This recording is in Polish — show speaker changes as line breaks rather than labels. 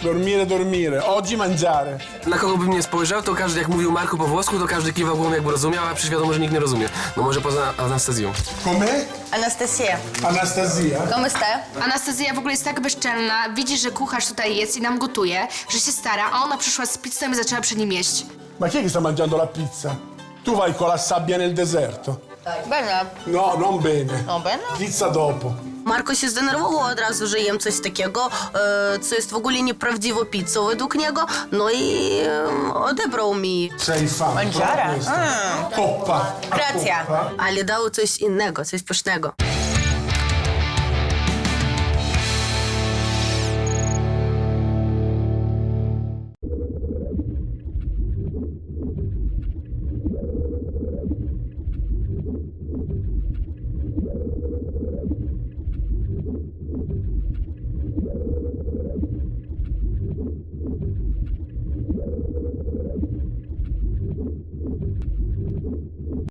Dormire, dormire. Oggi mangiare.
Na kogo bym nie spojrzał, to każdy, jak mówił Marku po włosku, to każdy kiwał głową, jakby rozumiał, a przecież wiadomo, że nikt nie rozumie. No może poza Anastazją.
Com'è?
Anastasia.
Anastasia.
Come stai?
Anastazja w ogóle jest tak bezczelna, widzi, że kucharz tutaj jest i nam gotuje, że się stara, a ona przyszła z pizzą i zaczęła przy nim jeść.
Ma chi è che sta mangiando la pizza? Tu vai con la sabbia nel deserto.
Bene.
No, non bene.
No bene.
Pizza dopo.
Marko się zdenerwował od razu, że jem coś takiego, co jest w ogóle nieprawdziwą pizzą według niego, no i odebrał mi.
Sei fan.
Mangiare?
Coppa.
Grazie.
Coppa.
Ale dał coś innego, coś pysznego.